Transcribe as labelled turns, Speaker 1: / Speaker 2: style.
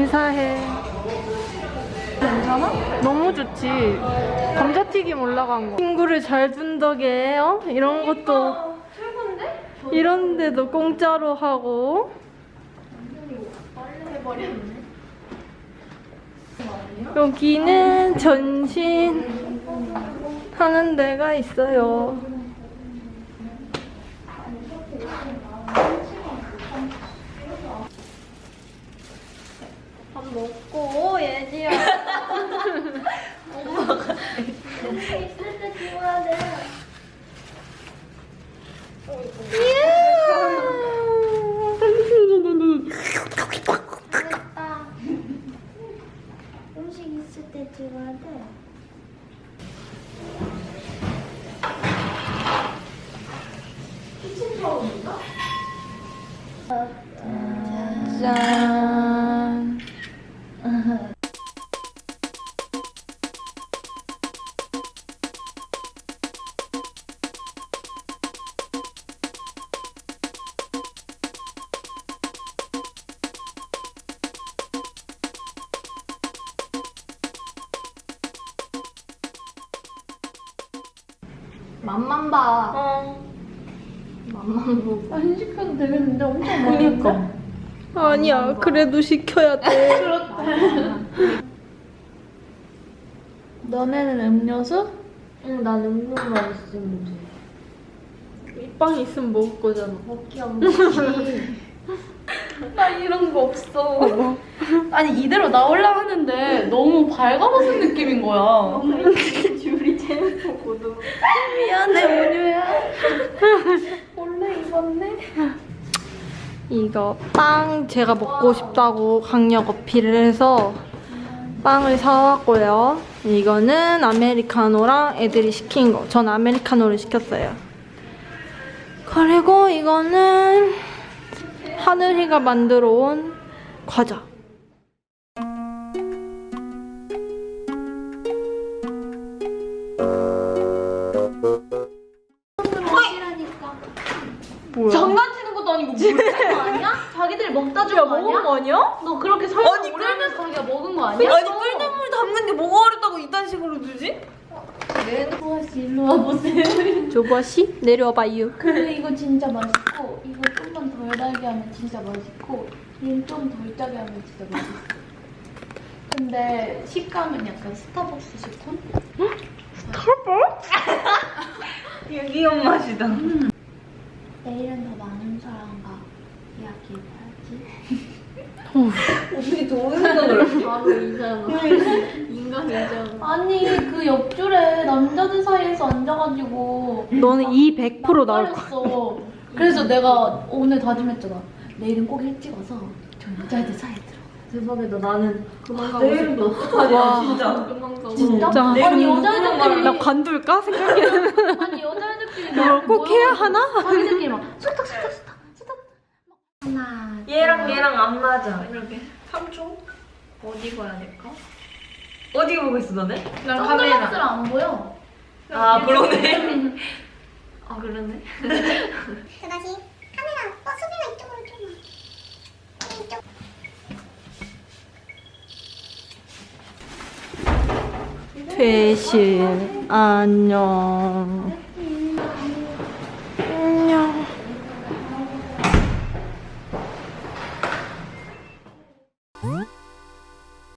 Speaker 1: 인사해.
Speaker 2: 괜찮아?
Speaker 1: 너무 좋지. 감자튀김 올라간 거. 친구를 잘 둔 덕에 이런 것도
Speaker 2: 최고인데?
Speaker 1: 이런 데도 공짜로 하고.
Speaker 2: 빨리 해버렸네.
Speaker 1: 여기는 전신 하는 데가 있어요. 밥 먹고 예지야.
Speaker 2: 엄마가 있을 때 찍어야 돼. 맞다. 음식 있을 때 찍어야 돼. 키친 타올인가?
Speaker 1: 짠.
Speaker 2: 맛만 봐. 맛만 보고. 안 시켜도 되겠는데 엄청 많으니까.
Speaker 1: 아니야, 그래도 시켜야 돼.
Speaker 2: 너네는 음료수? 응, 난 음료만 있으면 돼.
Speaker 1: 빵 있으면 먹을 거잖아.
Speaker 2: 먹기 안 먹기. 나 이런 거 없어. 아니 이대로 나올라 하는데 너무 밝아벗은 느낌인 거야. 줄이 재밌었거든. 미안해 원유야. 원래 입었네.
Speaker 1: 이거 빵 제가 먹고 싶다고 강력 어필을 해서 빵을 사왔고요. 이거는 아메리카노랑 애들이 시킨 거. 전 아메리카노를 시켰어요. 그리고 이거는 하늘이가 만들어 온 과자. 뭐야?
Speaker 2: 장난치는 것도 아니고 먹는 거 아니야? 자기들 먹다 준 거 아니야?
Speaker 3: 먹은 거 아니야?
Speaker 2: 너 그렇게 설명
Speaker 3: 아니,
Speaker 2: 오래하면서 자기가 먹은 거 아니야?
Speaker 3: 아니 끓는 물 담는 게 뭐가 어렵다고 이딴 식으로 주지?
Speaker 2: 수아 씨 일로 와보세요.
Speaker 1: 조버씨 내려와봐요.
Speaker 2: 근데 이거 진짜 맛있고 이거 좀만 덜 달게 하면 진짜 맛있고 얘는 좀 덜 짜게 하면 진짜 맛있어. 근데 식감은 약간 스타벅스 식감?
Speaker 3: 귀여운 맛이다.
Speaker 2: 내일은 더 많은 사람과 이야기해봐야지.
Speaker 3: 어떻게 좋은 생각을 하지?
Speaker 2: 바로 이잖아. 인간이잖아. 아니 그 옆줄에 남자들 사이에서 앉아가지고
Speaker 1: 너는 이 100% 나올 거야.
Speaker 2: nak발했어. 그래서 내가 오늘 다짐했잖아. 내일은 꼭 일찍 와서 저 여자애들 사이에 들어.
Speaker 3: 대박이다. 나는
Speaker 2: 그만
Speaker 3: 가고 싶다. 어떡하냐
Speaker 1: 와.
Speaker 3: 진짜.
Speaker 2: 그만 가고.
Speaker 1: 진짜?
Speaker 2: 아니 여자애들끼리
Speaker 1: 나 관둘까? 생각해.
Speaker 2: 아니 여자애들끼리
Speaker 1: 이걸 꼭 해야 하나?
Speaker 2: 자기들끼리 막 수탁 하나
Speaker 3: 얘랑 안 맞아.
Speaker 2: 이렇게 3초 어디 가야 될까?
Speaker 3: 어디 보고 있어 너네?
Speaker 2: 난 선글라스를 안 보여.
Speaker 3: 아 그러네.
Speaker 2: 아 그러네.
Speaker 4: 그다시 카메라 수빈아 이쪽으로 좀 이쪽
Speaker 1: 퇴실 안녕.